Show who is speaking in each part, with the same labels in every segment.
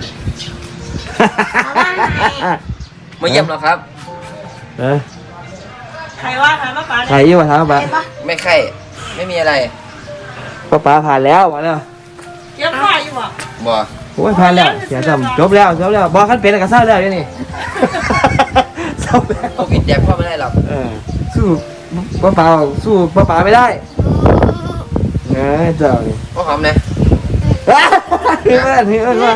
Speaker 1: มาเยี่ยมเหรอครับ
Speaker 2: ใครว่าถามป้า
Speaker 3: ใครยี่มาถามป้า
Speaker 1: ไม่ใครไม่มีอะไร
Speaker 3: ป้าผ่านแล้วมาแล้ว
Speaker 2: เยี่ยมพ่ออยู่บ่
Speaker 1: บ่
Speaker 3: โอ้ยผ่านแล้วเสียจำจบแล้วบอกขั้นเป็นกับเศร้าแล้วนี่เศร้าแล้ว
Speaker 1: โควิดแดกพ่อไม่ได้หรอก
Speaker 3: สู้ป้าสู้ป้าไม่ได้เจ้านี่
Speaker 1: พ่อหอมนะ
Speaker 3: เฮ้ยมา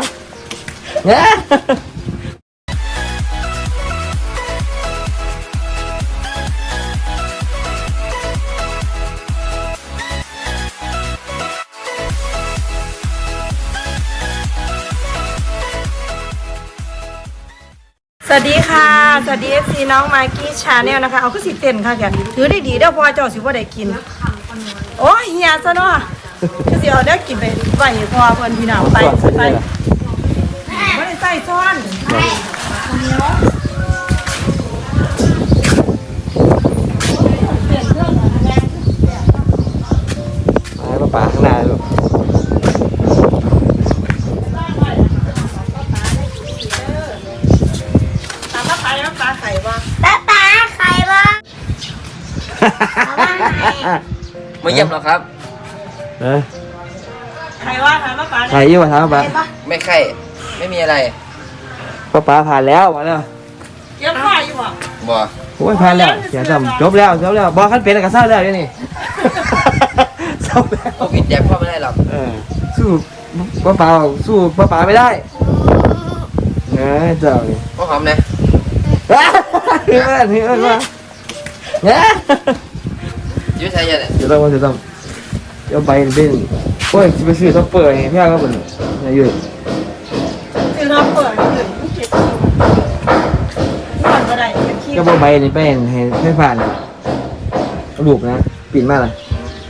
Speaker 2: สวัสดีค่ะสวัสดี FC น้องมากกี้ชาแนลนะคะเอาขึ้นสิเต้นค่ะแกถือได้ดีเด้อพอเจ้าสิว่าได้กินโอ้ยเฮียซะเนาะคือสิเอาได้กินไปไหวพอเพิ่นพี่น้องไปไม่ได้ใส่ช้อน
Speaker 3: ป้าข้างหน้าลูก
Speaker 2: ป้าไข่บ่
Speaker 1: มาเยี่ยมเหรอครับ
Speaker 2: ใครว่าถามป้า
Speaker 3: ใครยี่มาถามป้า
Speaker 1: ไม่ใครไม่มีอะไร
Speaker 3: ป้าผ่านแล้วมาแล้ว
Speaker 2: เยี่ยมพ่ออยู่บ่
Speaker 1: บ่
Speaker 3: โอ้ยผ่านแล้วเสียจำจบแล้วบอกขั้นเป็นกับเศร้าแล้วนี่เศร้าแล้ว
Speaker 1: โควิดแดกพ่อไม่ได้หรอก
Speaker 3: สู้สู้ป้าไม่ได้เจ้านี่
Speaker 1: พ่อหอมนะ
Speaker 3: เฮ้ยมา
Speaker 1: ยืดใช้ยังไง
Speaker 3: เดี๋ยวไปเป็นโอ้ยไปซื้อท็อปเปอร์ให้พี่ก็เป็นอะไรอยู่
Speaker 2: ซื้อท็อปเปอร์นี่เก็บก็ได้
Speaker 3: ก็บอกใบนี่ไปให้ผ่านลูกนะปิ่นมากเลย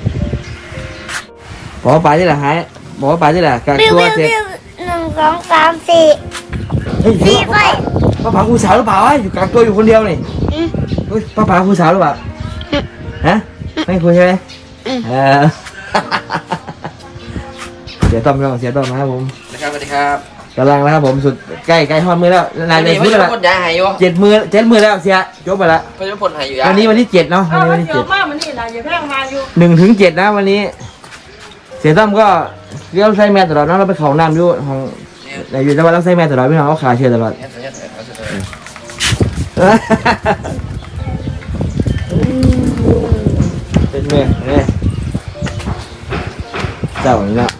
Speaker 3: บอกว่าปลาที่ไหนหายบอกว่าปลาที่ไหนกักตัวเสร็จ
Speaker 4: 1 2 3 4ไฟ
Speaker 3: ป้าผาครูสาวหรือเปล่าอยู่กักตัวอยู่คนเดียวนี่ป้าผาครูสาวหรือเปล่าฮะไม่คุยใช่ไหมเสียต้อมเสียต้อมนะครับผม
Speaker 1: นะครับสวัสดีครับ
Speaker 3: กำลังแล้วครับผมสุดใกล้ทอดมือแล้วนายเลยพูดแล้ว7 มือแล้วเสียจบไปแล้ว
Speaker 1: ไม่ใช่ผลหายอยู่
Speaker 3: วันนี้วันที่7เนาะวันที่
Speaker 2: 7มากมันนี่นะอย่าแพงมาอยู่
Speaker 3: 1 ถึง 7นะวันนี้เสียต้อมก็เลี้ยวใส่แม่ตลอดนะเราไปเขาน้ำอยู่ของอยู่แต่ว่าเราใส่แม่ตลอดพี่น้องเขาขาเชื่อตลอดเป็นเมื่อเนี่ยเจ้าอย่างนี้ละ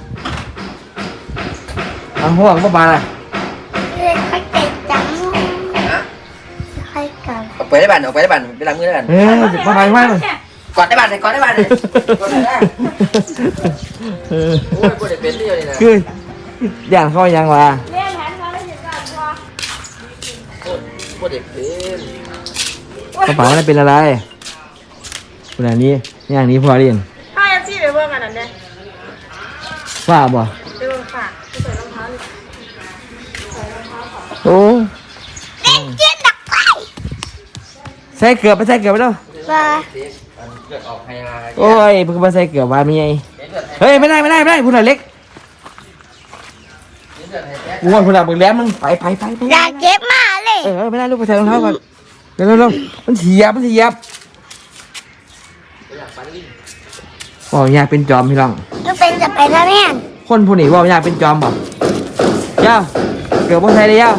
Speaker 3: ห่วงป้าอะไร
Speaker 4: ค่อยเตะจังค่อยกัน
Speaker 1: ออกไปได้บ้านไปล้างมือได้บ้าน
Speaker 3: ป้าไปไหม
Speaker 1: กอดได้บ้านเลยกอดได้บ้านเลยโอ้ยปวดเป็นที่อยู่นี่นะ
Speaker 3: คืออย่างเขายังวะ
Speaker 1: ปวดเป็น
Speaker 3: กระเป๋าอะไรเป็นอะไรขนาดนี้อย่างนี้พอเรียน
Speaker 2: ถ้าแอปซี่ไปเบิ่งกันนั่นเนี่ย
Speaker 3: ว่าบ่
Speaker 2: ไปเบิ่งค่ะใส่รองเท้าเลย
Speaker 3: โอ้
Speaker 4: เจี๊ยบดักไป
Speaker 3: ใส่เกือบไปแล้วโอ้ยเพิ่งมาใส่เกือบวานมีไงเฮ้ยไม่ได้พูดหน่อยเล็กกูว่าพูดหน่อยมึงแหลมมึงไป
Speaker 4: อยากเจ็บมากเลย
Speaker 3: ไม่ได้ลูกไปใส่รองเท้าก่อนเร็วมันเสียบบอกอยากเป็นจอมพี่น้อง
Speaker 4: ก็เป็นจะไปแล้วเนี่ย
Speaker 3: คนผู้นี้บอกอยากเป็นจอมบ่เจ้าเกือบพวกไทยเลยเจ้า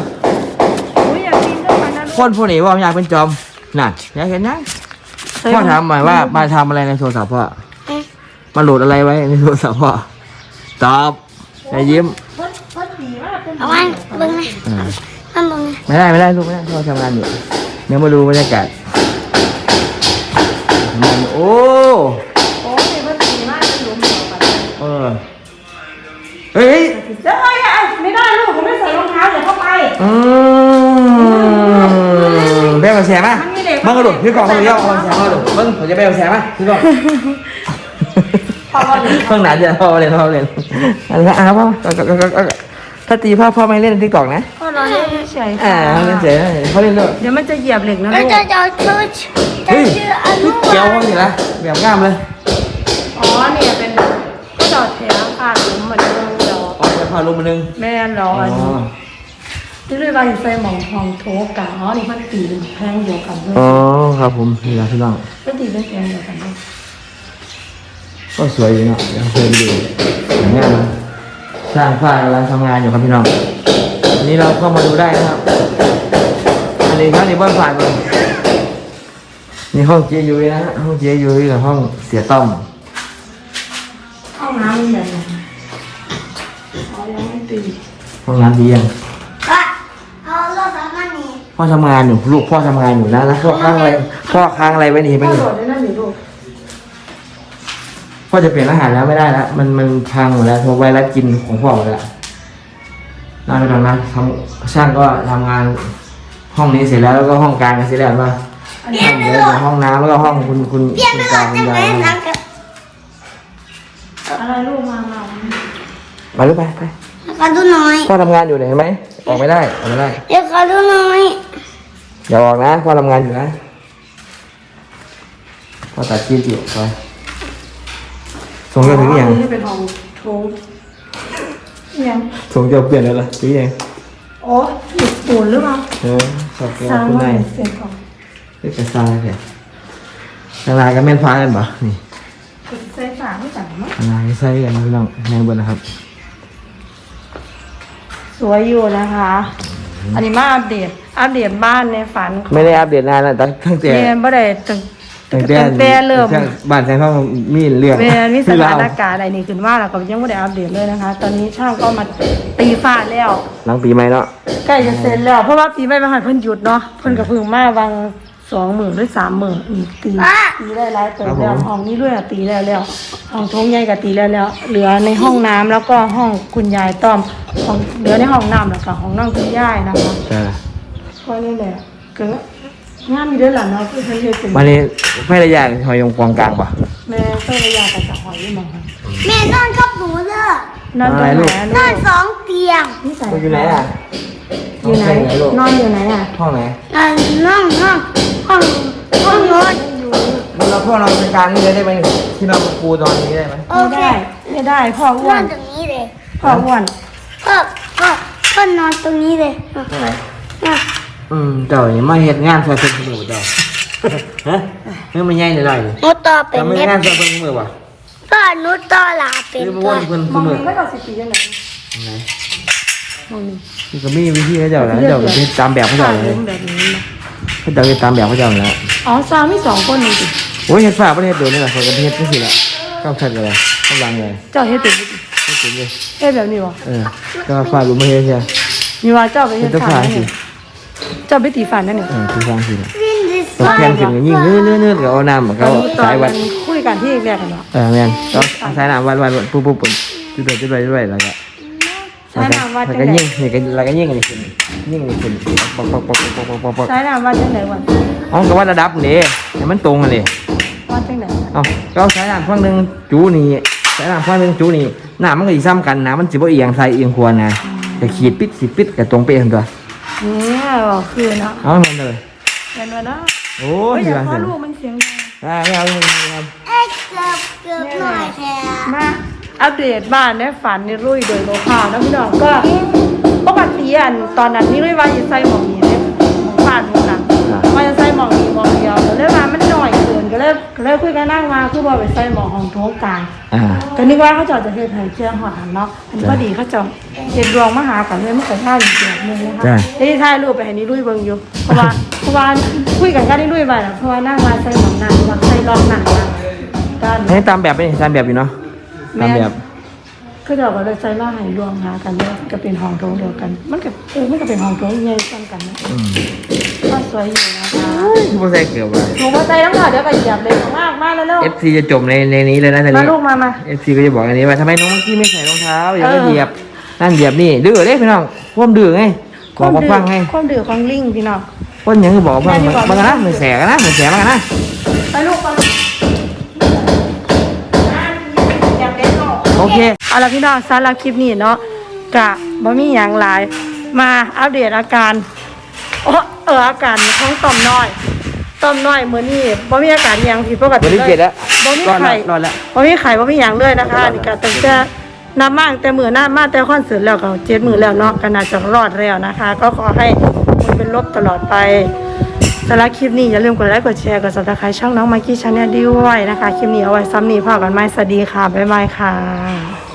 Speaker 3: คนผู้นี้บอกอยากเป็นจอมน่ะอยากเห็นนะพ่อถามหมายว่ามาทำอะไรในโทรศัพท์พ่อมาโหลดอะไรไว้ในโทรศัพท์พ่อตอบยิ้ม
Speaker 4: เอาไว้บึ้งนะ
Speaker 3: ไม่ได้ลูกไม่ได้พ่อทำงานอยู่เดี๋ยวมาดูบรรยากาศโอ้เฮ้ย
Speaker 2: ไม่ได้ลูกผมไม่ใส่รองเท้าเดี๋ยวเข้าไป
Speaker 3: เบลแชร์มั้ยมึงกระโดดพี่กองเขาเยอะเอาแชร์มาดูมึงผมจะเบลแชร์มั้ยพี่กองเพิ่งหนาจะพ่อเล่นอะไรพ่อถ้าตีพ่อไม่เล่นที่กล่องนะ
Speaker 2: พ่อรอเล่นเฉย
Speaker 3: เล่นเฉยเขาเล่นด้วย
Speaker 2: เดี๋ยวมันจะเหยียบเหล็กนะลูก
Speaker 4: จะ
Speaker 3: เฮ้ยเกี่ยวเขาสิละแบบง่ามเลย
Speaker 2: อ๋อเนี่ยเป็นก็ดอดแถวผ่านหลุมเหมือนเดิมดอก
Speaker 3: จะผ่านลมมานึง
Speaker 2: แม่นรอที่เรียกว่าใส่หมองทองโถกะอ๋อนี่มันตีเป็นแพงเดียวกันด้วย
Speaker 3: อ๋อครับผมนี่นะพี่น้อง
Speaker 2: มันตีเป็นแพงเดียวกันด้วย
Speaker 3: ก็สวยอยู่เนาะยังเคยดูอย่างเงี้ยนะสร้างฝ้ากำลังทำงานอยู่ครับพี่น้องอันนี้เราเข้ามาดูได้นะครับ อันนี้ครับนี่บ้านฝ่ายเลยนี่ห้องเจยุ้ยนะฮะห้องเจยุ้ยกับห้องเสียต้อม
Speaker 2: ห้องน้ำมันแบบไหนอ๋อยังไม่ตี
Speaker 3: ห้องน้ำดียัง
Speaker 4: ก็เอารถมานี่
Speaker 3: พ่อทำงานอยู่ลูกพ่อทำงานอยู่นะแล้วพ่อค้างอะไรไว้นี่
Speaker 2: พ่
Speaker 3: ไม่
Speaker 2: อ
Speaker 3: นี่
Speaker 2: โดดได้นั่นหรือลูก
Speaker 3: พ่อจะเปลี่ยนอาหารแล้วไม่ได้แล้วมันพังหมดแล้วโทรไวรัสกินของพ่อหมดแล้วน่าไปทำนะช่างก็ทำงานห้องนี้เสร็จแล้วก็ห้องกลางเสร็จแล้วมาห้องเดียวห้องน้ำแล้วก็ห้องคุณ
Speaker 4: เปลี่ยนไป
Speaker 3: ก
Speaker 4: ร
Speaker 3: ลาง
Speaker 4: ถ
Speaker 3: คุณ
Speaker 4: จะ
Speaker 3: ยา
Speaker 4: ไป
Speaker 3: ย
Speaker 4: นั่งกับ
Speaker 2: อะไรลูกมา
Speaker 3: มาลูกไป
Speaker 4: ขอดูหน่อย
Speaker 3: พ่อทำงานอยู่เห็นไหมออกไม่ได้ออกไม่ได้
Speaker 4: เดี๋ยวขอดูหน่อย
Speaker 3: อย่าออกนะพ่อทำงานอยู่นะพ่อตัดคลิปอยู่ไปส่งเจ้าถึงยัง
Speaker 2: นี่เป็นห้องโถงยัง
Speaker 3: ส่งเจ้าเปลี่ยนแล้วล่ะถึงยัง
Speaker 2: อ๋อหยุดปูนหรือเปล่า
Speaker 3: ขอบคุณ
Speaker 2: สร้าง
Speaker 3: คุณ
Speaker 2: ว่าน
Speaker 3: าย
Speaker 2: เสียงของ
Speaker 3: เรียกกระซายแค่ทางลายกับแม่นฟ้ากันปะนี่
Speaker 2: ใส่ฝาไม่จังมั้ง
Speaker 3: ทางลายใส่กันพี่น้องแมงบนนะครับ
Speaker 2: สวยอยู่นะคะ อันนี้มาอัปเดตบ้านในฝัน
Speaker 3: ไม่ได้อัปเดตนานแล้วตั้งแต่
Speaker 2: เรียนบ่ได้ตั้งแต่เริ่ม
Speaker 3: บ้านแสงทองมีเรื่อง
Speaker 2: เรียนวิส
Speaker 3: ที่
Speaker 2: ถา
Speaker 3: เรา
Speaker 2: นการณ์อะไรนี่ขึ้นว่าแล้วก็ยังไม่ได้อัปเดตเลยนะคะ ตอนนี้ช่างก็มาตีฝ้าแล้ว
Speaker 3: หลังปีใหม่เนาะ
Speaker 2: ใกล้จะเสร็จแล้ว เพราะว่าปีใหม่มาหันเพิ่นหยุดเนาะเพิ่นก็เพิ่งมาวาง20,000หรือ30,000อีกตีได้หลายเติมแล้วห้องนี้ด้วยอะตีแล้วห้องโถงใหญ่ก็ตีแล้วเหลือในห้องน้ำแล้วก็ห้องคุณยายต้อมห้องเหลือในห้องน้ำแล้วก็ห้องนั่งคุณยายนะคะ
Speaker 3: ใช่
Speaker 2: ก็นี่แหละก็งานมีด้วยหล่ะเนาะคือเพิ่นเฮ็ดเป็น
Speaker 3: วันนี้ไม่ได้ยากหอยยงกองกลางปะ
Speaker 2: แม่เพิ่นระยะกับจะหอยอยู่หมองค่ะ
Speaker 4: แม่นอนกับหนูเด้อ
Speaker 2: นั่นตรงไหน
Speaker 4: นอนสองเตียง
Speaker 2: นี่ใส่
Speaker 3: อยู่ไหนอ่ะ
Speaker 2: อยู่ไหนนอนอยู่ไหนอ่ะ
Speaker 3: ห้องไหน
Speaker 4: นอนห้องนอน
Speaker 3: เราพ่อนอนเป็นกลางนี่เลยได้ไหมที่นอนกับปูนอนนี้ได้ไหม
Speaker 4: โอเค
Speaker 2: ไม่ได้พ่ออ้
Speaker 4: น
Speaker 2: ว
Speaker 4: อน นตรงนี้เลย
Speaker 2: พ่ออ้วน
Speaker 4: พ่อนอนตรงนี้เลย
Speaker 3: ห้องไหนเจ้านี่มาเฮ็ดงานซอยเพิ่นมือเจ้าฮะเรื่องมันใหญ่เลย
Speaker 4: หนูต่อเป็น
Speaker 3: ทำไม่
Speaker 4: เน็บ
Speaker 3: งานซอยเพิ่นมือวะ
Speaker 4: พ่อหนูต่อลาเป็น
Speaker 3: หรือมา
Speaker 4: ตั
Speaker 3: ว
Speaker 4: วน
Speaker 3: เพิ่น
Speaker 2: มอง
Speaker 3: มือ
Speaker 2: นี้ก็จะสิปีจังได๋
Speaker 3: ไหน
Speaker 2: มองนี้
Speaker 3: นี่ก็มีวิธีให้เจ้าแล้วเจ้าก็เฮ็ดตามแบบเขาเจ้าเลย
Speaker 2: แบบนี้นะ
Speaker 3: เขาเจ้าเฮ็ดตามแบบเขาเจ้าแล้ว
Speaker 2: อ๋อซามี2คนนี่สิ
Speaker 3: โอ้ยเฮ็ดฝาประเทศโดนนี่แหละคนก็เฮ็ดจังซี่แหละก้าวชัดเลยกำลังเลย
Speaker 2: เจ้าเฮ็ดเป็นบ่สิ
Speaker 3: เฮ็ดเป็นเลย
Speaker 2: เฮ็ดแบบนี้บ่
Speaker 3: ก็ฝาบ่มาเฮ็ดใช่
Speaker 2: มีว่าเจ้าไป
Speaker 3: เฮ็
Speaker 2: เฮ็
Speaker 3: ด
Speaker 2: ด
Speaker 3: ต้อง
Speaker 2: ฝา
Speaker 3: ฝา
Speaker 2: เนี่
Speaker 3: สิ
Speaker 2: ยเจ้าไปตีฝันนั่นนี่
Speaker 3: คือฟังสิ
Speaker 4: วินดิส
Speaker 3: ต้องแข่งขึ้นก็ยิ่งเนื้อๆก็เอาน้ำ
Speaker 2: ต
Speaker 3: ก็
Speaker 2: อนนี้ตอ
Speaker 3: สาน ยวั
Speaker 2: มั
Speaker 3: ด
Speaker 2: นคุยกันที่แรกกันเนาะ
Speaker 3: แม่นก็สายน้ำวัดปุ๊บจุดด้วยแล้วก็
Speaker 2: ใช้น้ำวัด
Speaker 3: แล้ว
Speaker 2: จั
Speaker 3: ก็
Speaker 2: งได๋
Speaker 3: ยิ่งนี่ก็แล้วก็ยิ่งอันนี้ขึ้นยิ่งอันนี้ขึ้นปอก
Speaker 2: ใช้น้ำวัดจังได๋วะ
Speaker 3: อ๋อก็วัดระดับนี่ให้มันตรงกันนี่
Speaker 2: วัดจังได๋
Speaker 3: เอาก็เอาสายน้ำฝั่งหนึงจูนี่สายน้ำฝั่งหนึงจูนี่น้ำมันก็สิซ้ำกันน้ำมันสิบ่เอียงซ้ายเอียงขวานะแต่ขีดปิดก็ตรงเป๊ะทั้งตัว
Speaker 2: เนี่ยคือเนาะ
Speaker 3: เอามันเลย
Speaker 2: เป็นว่าเนาะ
Speaker 3: โอ้
Speaker 2: โอ้
Speaker 3: ย
Speaker 2: ย
Speaker 3: อ
Speaker 2: อย่า
Speaker 3: ย่า
Speaker 2: พา
Speaker 3: เสีย
Speaker 2: ลูกมันเสียงดัง
Speaker 3: ไม่เอาครับ
Speaker 4: เอ๊ะเกือบหน่อยแท้
Speaker 2: มาอัปเดตบ้านในฝันในรุ่ยโดยคร่าวๆนะพี่น้องก็ปกติอันตอนนั้นนี่รุ่ยว่าจะใส่หมองนี้เลยหมองบ้านหมองหลังว่าจะใส่หมองนี้หมองเดียวแต่เลยว่ามันหน่อยเกินก็เลยคุยกันนั่งมาคือว่าไปใส่หมองของโถงกลาง ก็นึกว่าเขาเจาะจะเฮ็ดให้เชื่อหอดหันเนาะอันนี้พอดีเขาเจาะเฮ็ดรวงมาหากันเลยมันก็ท่าอีกแบบนึงนะคะได้ถ่ายรูปไปให้นี่รุ่ยเบิ่งอยู่เพราะว่าคุยกันก็ได้รุ่ยไปน่ะเพราะว่านั่งมาใส่หมองนั้นว่าใส่รองหนังนะด้าน
Speaker 3: ให้ตามแบบไปนี่ตามแบบอยู่เนาะตามแบบ
Speaker 2: คือเดี๋ยวก็เลยใส่มาให้รวมหากันเลยก็เป็นห้องโถงเดียวกัน มันก็มันก็เป็นห้องโถงใหญ่ซ้ำกันนะก็สวยอยู่นะคะ
Speaker 3: ที่โปรเซสเกือบว่า
Speaker 2: หนูมาใส่ทั้งหมดเดี๋ยวก็เหยียบเลยมากแล้ว
Speaker 3: FC จะจมในนี้เลยนะตอน
Speaker 2: มา
Speaker 3: นี้
Speaker 2: ลูกมา
Speaker 3: FC ก็จะบอกอันนี้ว่าทำไมน้องมังกี้ไม่ใส่รองเท้าอย่าไปเหยียบนั่นเหยียบนี่ดื้อเด้พี่น้องพ่วมดื้อไงบอกมาฟังไง
Speaker 2: ความดื้อของลิงพี่น้อง
Speaker 3: พ่นยังคือบอกฟังมันกันนะมันแสกันนะมันแสมันกันนะ
Speaker 2: ไปลูกไปอยากเล่นหรอ
Speaker 3: โอเค
Speaker 2: เอาละพี่น้องสำหรับคลิปนี้เนาะกะบ่มีอย่างหลายมาอัปเดตอาการอาการของต่อมน้อยมื้อนี้บ่มีอาการหยังผิดปกติ
Speaker 3: วันที่
Speaker 2: เล
Speaker 3: 7
Speaker 2: ย
Speaker 3: แล้ว
Speaker 2: บ่มี
Speaker 3: รอด
Speaker 2: ไข้
Speaker 3: แล้ว
Speaker 2: บ่มีไข้บ่มีหยังเลยนะคะนี่ก็ตั้งแต่นับมากแต่มือหน้ามาแต่คอนเสิร์ตแล้วก็7 มื้อแล้วเนาะก็น่าจะรอดแล้วนะคะ ก็ขอให้มันเป็นลบตลอดไปสำหรับคลิปนี้อย่าลืมกดไลค์กดแชร์กด Subscribe ช่องน้องมากกี้ชาแนลด้วยนะคะคลิปนี้เอาไว้ซ้ำนี้พอกันไหมสวัสดีค่ะบ๊ายบายค่ะ